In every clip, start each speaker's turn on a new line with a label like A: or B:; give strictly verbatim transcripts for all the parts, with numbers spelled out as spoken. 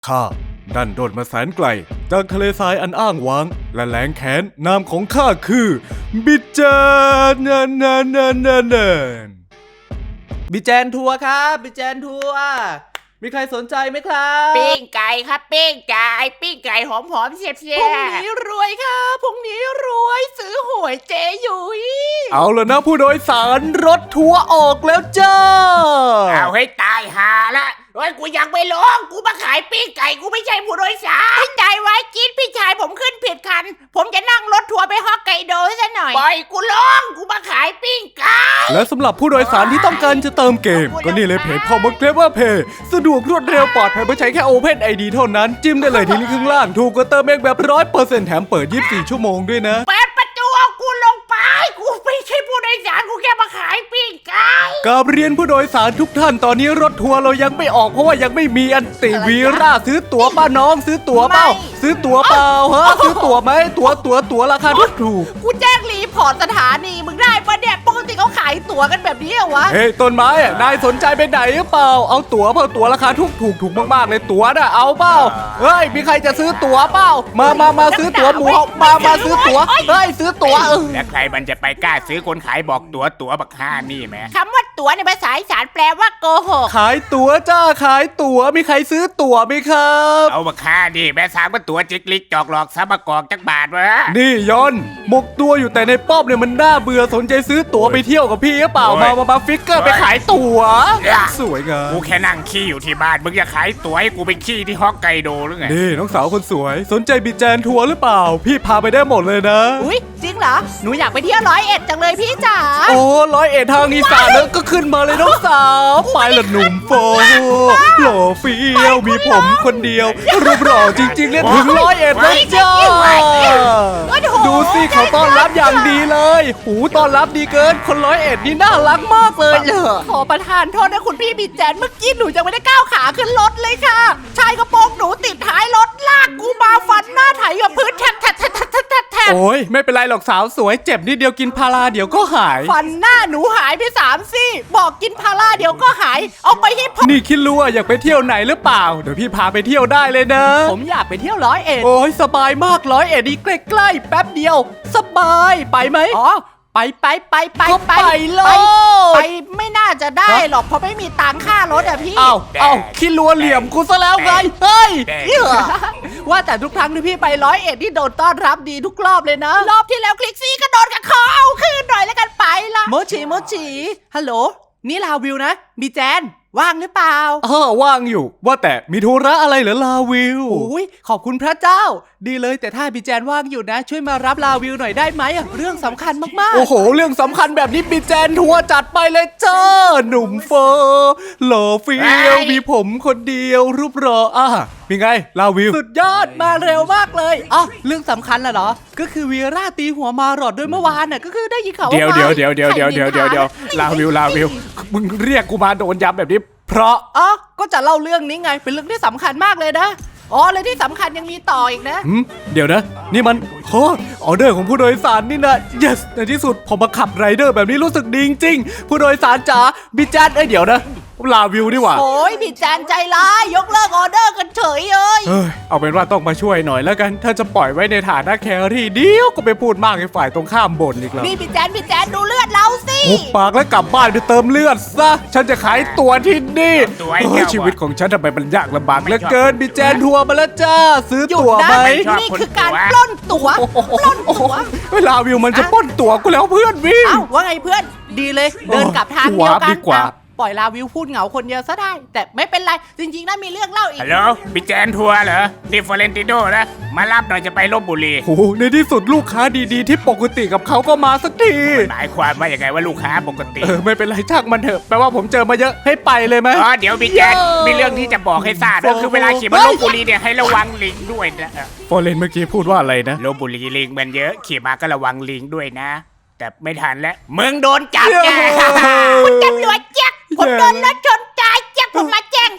A: ข้าดันโดดมาแสนไกลจากทะเลทรายอันอ้างว้างและแหลงแขนนามของข้าคือบิจจานนันนันนันนันนัน
B: บิแจนทัวร์ครับบิแจนทัวร์มีใครสนใจไหมครับ
C: ปิ้งไก่ครับปิ้งไก่ปิ้งไก่หอมหอมๆเสียบเสี
B: พ
C: ย
B: รุ่งนี้รวยครับพรุ่งนี้รวยซื้อหวยเจยุ้ย
A: เอาละนะผู้โดยสารรถทัวร์ออกแล้วจ้า
C: เอาให้ตายหาละเฮ้ยกูยังไม่ลงกูมาขายปิ้งไก่กูไม่ใช่ผู้โดยสารพี่ใจไว้จี๊ดพี่ชายผมขึ้นผิดคัน ผมจะนั่งรถทัวร์ไปฮอกไกโดซะหน่อยปล่อยกูลงกูมาขายปิ้งไก่
A: และสำหรับผู้โดยสารที่ต้องการจะเติมเกม ก็นี่เลยเพจคอมเกรเวอร์เพย์สะดวกรวดเร็วปลอดภัยเมื่อใช้แค่ Open ไอ ดี เท่านั้น จิ้มได้เลยที่ลิงก์ข้างล่าง ถูกกว่าเติมเองแบบ ร้อยเปอร์เซ็นต์ แถมเปิด ยี่สิบสี่ ชั่วโมงด้วยนะ
C: เปิดประตูเอากูลงไปกูไม่ใช่ผู้โดยสารกูแค่มาขายปิ้งไก่
A: กราบเรียนผู้โดยสารทุกท่านตอนนี้รถทัวร์เรายังไม่ออกเพราะว่ายังไม่มีอันติวีราซื้อตั๋วป้าน้องซื้อตั๋วเปล่าซื้อตั๋วเปล่าฮะซื้อตั๋วไหมตั๋วตั๋วตั๋วราคาถูกถูก
B: กูแจ้งรีพอร์ตสถานีมึงได้ปะเนี่ยปกติเขาขายตั๋วกันแบบนี้เหรอวะ
A: เฮ้ยต้นไม้อะนายสนใจไปไหนหรือเปล่าเอาตั๋วเปล่าตั๋วราคาถูกถูกถูกมากๆเลยตั๋วน่ะเอาเปล่าเฮ้ยมีใครจะซื้อตั๋วเปล่ามามามาซื้อตั๋วหมูมามาซื้อตั๋วเฮ้ยซื้อตั๋วเออ
C: แล้วใครมันจะไปกล้าซื้อคนขายบอกตั๋วตั๋วบักห้านี่แม่คำว่าตั๋วในภาษาอีสานแปลว่าโกหก
A: ขายตั๋วจ้าขายตั๋วมีใครซื้อตั๋วไหมครับ
C: เอาบักห้าดิแม่สามก็ตั๋วจิกลิกจอกหลอกซับมากอกจักบาทวะ
A: นี่ยอนหมกตัวอยู่แต่ในป้อมเนี่ยมันน่าเบื่อสนใจซื้อตั๋วไปเที่ยวกับพี่หรือเปล่ามามามาฟิกเกอร์ไปขายตั๋วสวยงาม
C: กูแค่นั่งขี้อยู่ที่บ้านมึงจะขายตั๋วให้กูไปขี้ที่ฮอกไกโดหรือไง
A: นี่น้องสาวคนสวยสนใจบิแจนทัวร์หรือเปล่า พี่พาไปได้หมดเลยนะ
B: อุ้ยจริงเหรอหนูอยากไปเที่ยวร้อยเอ็ดจังเลยพี่จ๋า
A: โอ้ร้อยเอ็ดทางอีสานแล้วก็ขึ้นมาเลยน้องสาวไปละหนุ่มโฟหล่อเฟี้ยวมีผมคนเดียวรูปหล่อจริงๆเล่นถึงร้อยเอ็ดแล้วจ้าดูสิเขาต้อนรับอย่างดีเลยหูต้อนรับดีเกินคนร้อยเอ็ดนี่น่ารักมากเลยเหรอ
B: ขอประทานโทษนะคุณพี่บิแจนเมื่อกี้หนูยังไม่ได้ก้าวขาขึ้นรถเลยค่ะชายกระโปรงหนูติดท้ายรถลากกูมาฟันหน้าไถกับพื้นแทบแทบแทบแทบแทบแทบแทบ
A: โอ้ยไม่เป็นไรหรอกสาวสวยเจ็บนิดเดียวกินพาราเดี๋ยวก็หาย
B: ฟันหน้าหนูหายไปสามซี่บอกกินพาราเดี๋ยวก็หาย เอาไปให้ผม
A: นี่คิดรู้ว่าอยากไปเที่ยวไหนหรือเปล่าเดี๋ยวพี่พาไปเที่ยวได้เลยนะ
B: ผมอยากไปเที่ยวร้อยเอ็ด
A: โอ้ยสบายมากร้อยเอ็ดนี่ใกล้ๆแป๊บเดียว สบายไปไหม
B: อ๋อไปไปไปไป
A: ก็ไปโลด
B: ไปไม่น่าจะได้หรอกเพราะไม่มีตังค่ารถอะพี่
A: เอ้าเอ้าคิดรัวเหลี่ยมกูซะแล้วไงเฮ้ย
B: เหี้ยว่าแต่ทุกครั้งที่พี่ไปร้อยเอ็ดที่โดนต้อนรับดีทุกรอบเลยนะ รอบที่แล้วคลิกซี่ก็โดนกับคอเอาคืนหน่อยแล้วกันไปละโมจิโมจิฮัลโหลนี่ลาวิวนะบีแจนว่างหรือเปล่า
A: เออว่างอยู่ว่าแต่มีธุระอะไรเหรอลาวิว
B: โอ้ยขอบคุณพระเจ้า ดีเลยแต่ถ้าบีแจนว่างอยู่นะ ช่วยมารับลาวิวหน่อยได้ไหมอะเรื่องสำคัญมากๆ
A: โอ้โหเรื่องสำคัญแบบนี้บีแจนทัวร์จัดไปเลยจ้าหนุ่มเฟอร์หล่อเฟี้ยวมีผมคนเดียวรูปรออ่ะมีไงลาวิว
B: สุดยอดมาเร็วมากเลยอ๋อเรื่องสำคัญน่ะเหรอ ก็คือวีราตีหัวมาหลอดด้วยเมื่อวานน่ะก็คือได้ยินข่าวว่า
A: เดี๋ยวเดี๋ยว
B: มา
A: เดี๋ยวเดี๋ยวเดี๋ยวเดี๋ยวเดี๋ยวเดี๋ยวลาวิวลาวิวมึงเรียกกูมาโดนย้ำแบบนี้ เพราะ
B: อ๋อก็จะเล่าเรื่องนี้ไงเป็นเรื่องที่สำคัญมากเลยนะอ๋อเลยที่สำคัญยังมีต่ออีกนะ
A: หืมเดี๋ยวนะ นี่มันโอ้ออเดอร์ของผู้โดยสารนี่นะ yes ในที่สุดผมมาขับไรเดอร์แบบนี้รู้สึกดีจริงๆผู้โดยสารจ๋าบิจันเอ้ยเดี๋ยวนะลาวิวดีกว่า
B: โอ้ยพี่แจนใจร้ายยกเลิกออเดอร์กันเฉยเลย
A: เอ้ยเอาเป็นว่าต้องมาช่วยหน่อยแล้วกัน ถ้าจะปล่อยไว้ในฐานะแครี่เดียวก็ไปพูดมากให้ฝ่ายตรงข้ามบ่นอีกแล้ว
B: นี่พี่แจนพี่แจนดูเลือดเราสิ
A: หุบปากแล้วกลับบ้านไปเติมเลือดซะฉันจะขายตัวที่นี่
C: ตัวไอ้
A: เฮ้
C: เหี้
A: ย
C: ย
A: ชีวิตของฉันทำไมมันยากลำบากเหลือเกินบิแจนทัวร์มาแล้วจ้าซื้อ
B: หยุด
A: ตั๋ว
B: นะ
A: ไหม
B: นี่คือการปล้นตั๋วปล้นตั๋ว
A: เวลาวิวมันจะปล้นตั๋วกูแล้วเพื่อนวิ่ง
B: เอ้าว่าไงเพื่อนดีเลยเดินกลับทางเดียวกั
A: ดี
B: น
A: กว่า
B: อ่ะปล่อยลาวิวพูดเหงาคนเดียวซะได้ แต่ไม่เป็นไรจริงๆน่ามีเรื่องเล่าอีก
C: ฮัลโหลบิแจนทัวร์เหรอนี่ฟอเรนติโดนะมารับหน่อยจะไปลบบุรี
A: โอ้โหในที่สุดลูกค้าดีๆ ที่ปกติกับเขาก็มาสักที
C: หมายความว่าอย่างไงว่าลูกค้าปกติ
A: เออไม่เป็นไรช่างมันเถอะแปลว่าผมเจอมาเยอะให้ไปเลยไหม
C: อ๋อเดี๋ยวบิแจนมีเรื่องที่จะบอกให้ทราบก็คือเวลาขี่มาลบบุรีเนี่ยให้ระวังลิงด้วยนะ
A: ฟอเรนเมื่อกี้พูดว่าอะไรนะ
C: ลบบุรีลิงมันเยอะขี่มาก็ระวังลิงด้วยนะ แต่ไม่ทันแล้วมึงโดนจับแก
A: เย้
C: คุณตำรวจแจ็คผมโดนรถชนตายแจ็คผมมาแจ้ง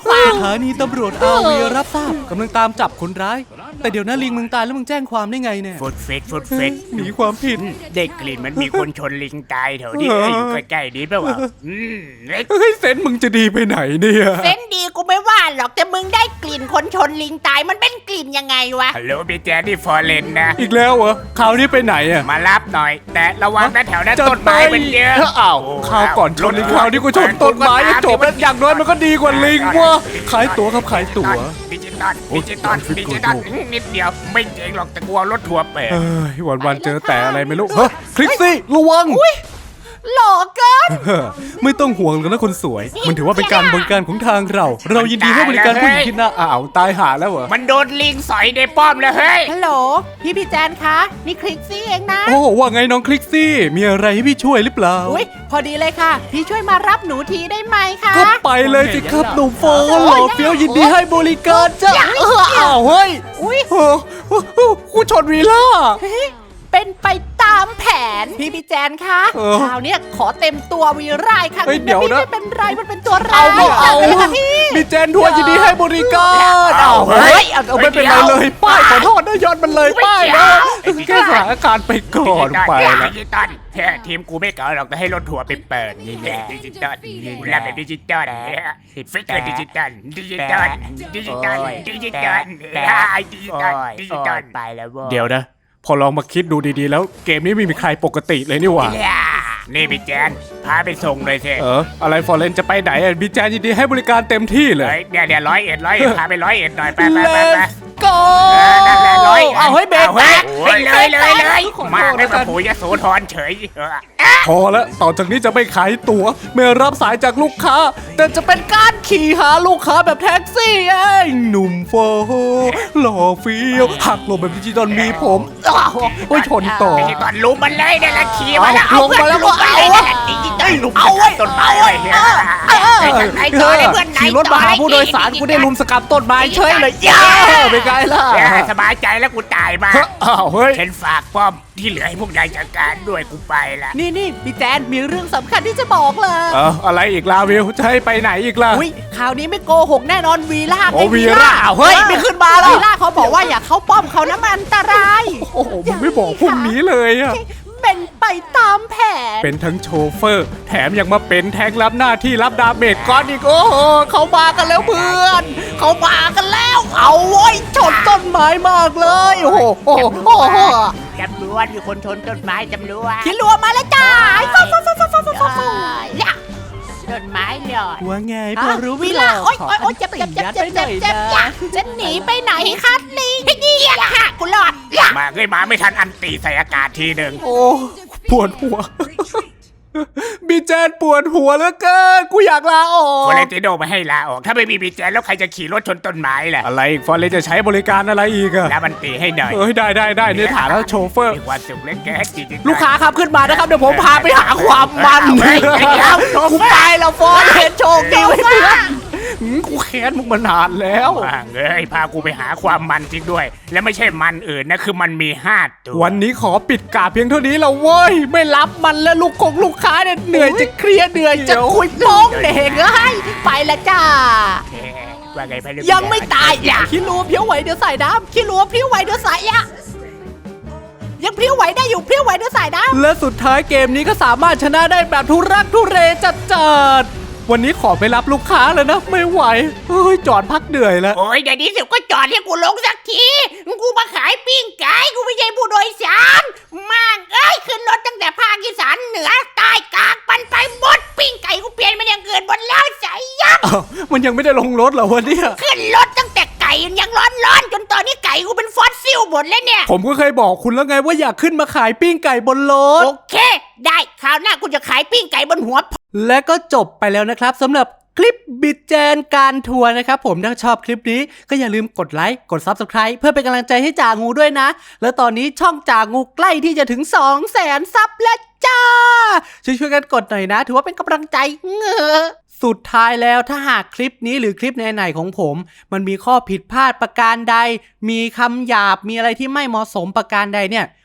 B: ขวาง
A: สถานีตำรวจอาวีรับทราบกำลังตามจับคนร้าย แต่เดี๋ยวนะลิงมึงตายแล้วมึงแจ้งความได้ไงเนี่ย
C: ฟุดเฟดฟุดเฟด
A: หนีความผิด
C: เด็กกลิ่นมันมีคนชนลิงตายแถวนี้เอ้ยอยู่ใกล้ๆนี้เปล่าวะอืมเล็ก
A: เฮ้ยเซนมึงจะดีไปไหนเนี่ย
C: เซนดีกูไม่ว่าหรอกแต่มึงได้กลิ่นคนชนลิงตายมันเป็นกลิ่นยังไงวะฮัลโหลพี่แจ๊ดที่ฟอร์เรนนะ
A: อีกแล้วเหรอคราวนี้ไปไหนอะ
C: มารับหน่อย แต่ระวังนะแถวนั้นต้นไม้มันเยอะ
A: อ้าวคราวก่อนชนลิงคราวนี้กูชนต้นไม้จบแล้วอย่างน้อยมันก็ดีกว่าลิงวะขายตั๋วครับขายตั๋ว
C: ดิจิตอลดิจิตอลดิจิตอลนิดเดียวไม่เจ๋งหรอกแต่กลัวรถทัวร์เปิด
A: เอ้ยวันวันๆเจอแต่อะไรไม่รู้เฮ้ยคลิกซี่ระวัง
B: หล่อเกิน
A: เฮ้อไม่ต้องห่วงกันนะคนสวย มันถือว่าเป็นการบริการของทางเรา เรายินดีให้บริการผู้หญิงที่หน้าอ้าวตายหาแล้วเหรอ
C: มันโดนลิงสอยในป้อมแล้วเฮ้ย
B: ฮัลโหลพี่พี่แจนคะนี่คลิกซี่เองนะ
A: โอ้ว่าไงน้องคลิกซี่ มีอะไรให้พี่ช่วยหรือเปล่า
B: อุ้ยพอดีเลยค่ะ พี่ช่วยมารับหนูทีได้ไหมคะ
A: ก็ไปเลยสิครับหนุ่มโฟนหล่อเฟี้ยวยินดีให้บริการจ้าเอออ้าวเฮ้ย
B: อุ้ย
A: เออเออเออกูชนวีล่า
B: เฮ้ยเป็นไปตามแผนพี่พี่แจนคะ
A: เออ
B: คราวเนี้ยขอเต็มตัววีร่ายค่ะ
A: เฮ้ยเดี๋ยวนะ
B: พี่ไม่เป็นไรมันเป็นตัวร้า
A: เอา
B: ย
A: ไม่เอา
B: เลยค่ะพี่
A: มีเจนทัวร์ยินดีให้บริการอ้าวเฮ้ยเอาเอาไม่เป็นไรเลยป้ายขอโทษนะย้อนมันเลยป้ายนะแค่สถานการณ์ไปก่อนไปละ
C: ดิจิตอลแค่ทีมกูไม่เก่าหรอกแต่ให้รถทัวร์ไปเปิดนี่แหละดิจิตอลกูรับแบบดิจิตอลฟิกเกอร์ดิจิตอลดิจิตอลดิจิตอลดิจิตอลดิจิตอลดิจิตอลไปแล้วเว้ย
A: เดี๋ยวนะ พอลองมาคิดดูดีๆแล้วเกมนี้ไม่มีใครปกติเลยนี่หว่า
C: นี่พี่แจนพาไปส่งเลยเถ
A: เอ
C: อะ
A: อ อะไรฟอร์เรนจะไปไหนอ่ะบีแจนยินดีให้บริการเต็มที่เลย
C: เฮ้ยเนี่ยเนี่ยร้อยเอ็ดร้อยเอ็ดพาไปร้อยเอ็ดหน่อยไปไปไปไป
B: go
C: นั่นแหละร้อย
B: เอาให้เบรก
C: เฮ้ย
B: แตก
C: เลยเลยเลย
B: ขอโทษ
C: มาให้
B: แล้วกั
C: มาน ปุ๋ยยโสธรเฉย
A: พอแล้วต่อจากนี้จะไม่ขายตั๋วไม่รับสายจากลูกค้า แต่จะเป็นการขี่หาลูกค้าแบบแท็กซี่เองหนุ่มโฟหล่อเฟี้ยวหักหลบแบบดิจิตอลมีผมอ้าวโอ้ยชนต่อ
C: ดิจิตอลลุมมันเลยเนี่ยละขี่มาแล้ว
A: เอาลงมาแล้วก็เอา
C: ดิจิตอลลุมเอาไว้ต้นไม้เลยไหนต่อเลยเพื่อนไหน
A: ขี่รถมาหาผู้โดยสารกูได้ลุมสกัดต้นไม้เฉยเลยย่าเป็นไงล่ะ
C: สบายใจแล้วกูตายมา
A: อ้าวเฮ้ย
C: ฉันฝากป้อมที่เหลือให้พวกนายจัดการด้วยกูไปละ
B: นี่นี่พี่แจนมีเรื่องสำคัญที่จะบอกเลย
A: เอออะไรอีกลาวิวจะให้ไปไหนอีกล่ะ
B: อุ้ยคราวนี้ไม่โกหกแน่นอนวีล่า
A: โอ้
B: ไง
A: วีล่าเฮ้ยไม่ขึ้นมาหรอ
B: วีล่าเขาบอกว่าอย่าเข้าป้อมเขานะมันอันตราย
A: โอ้โหมึงไม่บอกพรุ่งนี้เลยอะ
B: เป็นไปตามแผน
A: เป็นทั้งโชเฟอร์ แถมยังมาเป็นแทงรับหน้าที่รับดาเมจก้อนอีกโอ้โหเขามากันแล้วเพื่อน เขามากันแล้ว เอาโว้ยชนต้นไม้มากเลยโอ้โหโอ้โหโอ้โห
C: จำรวจมีคนชนต้นไม้จำรวจ
B: คิดรัวมาแล้วจ้าฟ้าฟ้าฟ้าฟ้าฟ้าฟ้าฟ้าฟ้า
C: ต้นไม้หลอด
A: ว่าไงพ
B: ฮะ
A: อรู้
B: วี
A: วิ
B: ล่า
A: ลา
B: โอ๊ยโอ๊ยโอ๊ยเจ็บเจ็บเจ็บเจ็บเจ็บเจ็บอย่าจะหนีไปไหนคะลิงนี่อย่าค่ะกูหลอดอย่า
C: มาเอ้ยมาไม่ทันอันตีใส่อากาศทีหนึ่ง
A: โอ้ปวดหัว บีแจนปวดหัวเหลือเกินกูอยากลาออ
C: ฟอก เรนติโดมาให้ลาออก ถ้าไม่มีบีแจนแล้วใครจะขี่รถชนต้นไม้ล่ะ
A: อะไรอีกฟอร์เรนจะใช้บริการอะไรอีกอะ
C: แล้วมันตีให้หน่อย
A: เอ้ยได้ได้ได้ในฐานะโชเฟอร์
C: มีความสุขเล็กแก่จริงๆ
B: ลูกค้าครับขึ้นมานะครับเดี๋ยวผมพาไปหาความมัน
C: เฮ้ยเฮ้ยเฮ้ย
B: กูไปแล้วฟอนเห็นโชคดีไว้เพื่อน
A: หืมกูแค้นมึงมานานแล้ว
C: ว่างเอ้ยพากูไปหาความมันจริงด้วย และไม่ใช่มันอื่นนะคือมันมีห้าตัว
A: วันนี้ขอปิดกาเพียงเท่านี้แล้วเว้ย ไม่รับมันแล้วลูกคงลูกค้าเนี่ยเหนื่อยจะเคลียร์เหนื่อยจะคุยโป้งเด็กเอ้ยไปละจ้า
C: เอ๊ะว่าไงพะลูก
B: ยังไม่ตายอย่าขี้รัวเพี้ยวไหวเดี๋ยวใส่น้ำขี้รัวเพี้ยวไหวเดี๋ยวใส่อะยังเพี้ยวไหวได้อยู่เพี้ยวไหวเดี๋ยวใส่น้ำและสุดท้ายเกมนี้ก็สามารถชนะได้แบบทุรักทุเรจัดจัดวันนี้ขอไปรับลูกค้าแล้วนะไม่ไหวเฮ้ยจอดพักเหนื่อยแล้ว
C: โอ้ยเดี๋ยวนี้สิก็จอดให้กูลงสักทีกูมาขายปิ้งไก่กูไม่ใช่ผู้โดยสารมากเอ้ยขึ้นรถตั้งแต่ภาคอีสานเหนือใต้กลางปันไปหมดปิ้งไก่กูเปลี่ยนมันอย่างอื่นหมดแล้วใส่ยับ
A: อ้าวมันยังไม่ได้ลงรถเหรอวะเนี่ย
C: ขึ้นรถตั้งแต่ไก่ยังร้อนร้อนๆจนตอนนี้ไก่กูเป็นฟอสซิลหมดแล้วเนี่ย
A: ผมก็เคยบอกคุณแล้วไงว่าอยากขึ้นมาขายปิ้งไก่บนรถ
C: โอเค ได้คราวหน้ากูจะขายปิ้งไก่บนหัว
B: และก็จบไปแล้วนะครับสำหรับคลิปบิดแจนการทัวร์นะครับผมถ้าชอบคลิปนี้ก็อย่าลืมกดไลค์กด ซับสไครบ์ เพื่อเป็นกำลังใจให้จ่างูด้วยนะ แล้วตอนนี้ช่องจ่างูใกล้ที่จะถึง สองแสน ซับแล้วจ้า ช่วยๆกันกดหน่อยนะ ถือว่าเป็นกำลังใจเงอสุดท้ายแล้วถ้าหากคลิปนี้หรือคลิปไหนๆของผม มันมีข้อผิดพลาดประการใด มีคำหยาบมีอะไรที่ไม่เหมาะสมประการใดเนี่ย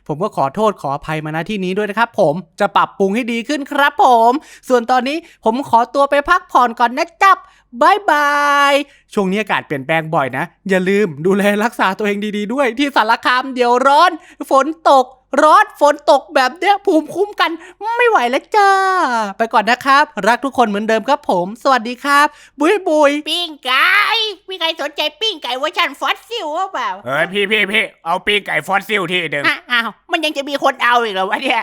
B: ผมก็ขอโทษขออภัยมาณที่นี้ด้วยนะครับผมจะปรับปรุงให้ดีขึ้นครับผม ส่วนตอนนี้ผมขอตัวไปพักผ่อนก่อนนะจ๊บบายบายช่วงนี้อากาศเปลี่ยนแปลงบ่อยนะอย่าลืมดูแลรักษาตัวเองดีๆด้วยที่สารคามเดี๋ยวร้อนฝนตกร้อนฝนตกแบบเนี้ยภูมิคุ้มกันไม่ไหวแล้วจ้าไปก่อนนะครับรักทุกคนเหมือนเดิมครับผมสวัสดีครับบุยบุย
C: ปิ้งไก่มีใครสนใจปิ้งไก่เวอร์ชันฟอสซิลหรือเปล่า
D: เฮ้ยพี่พี่พี่เอาปีกไก่ฟอสซิลที่หนึ่ง
C: อ้าวมันยังจะมีคนเอาอีกเหรอวะเนี่ย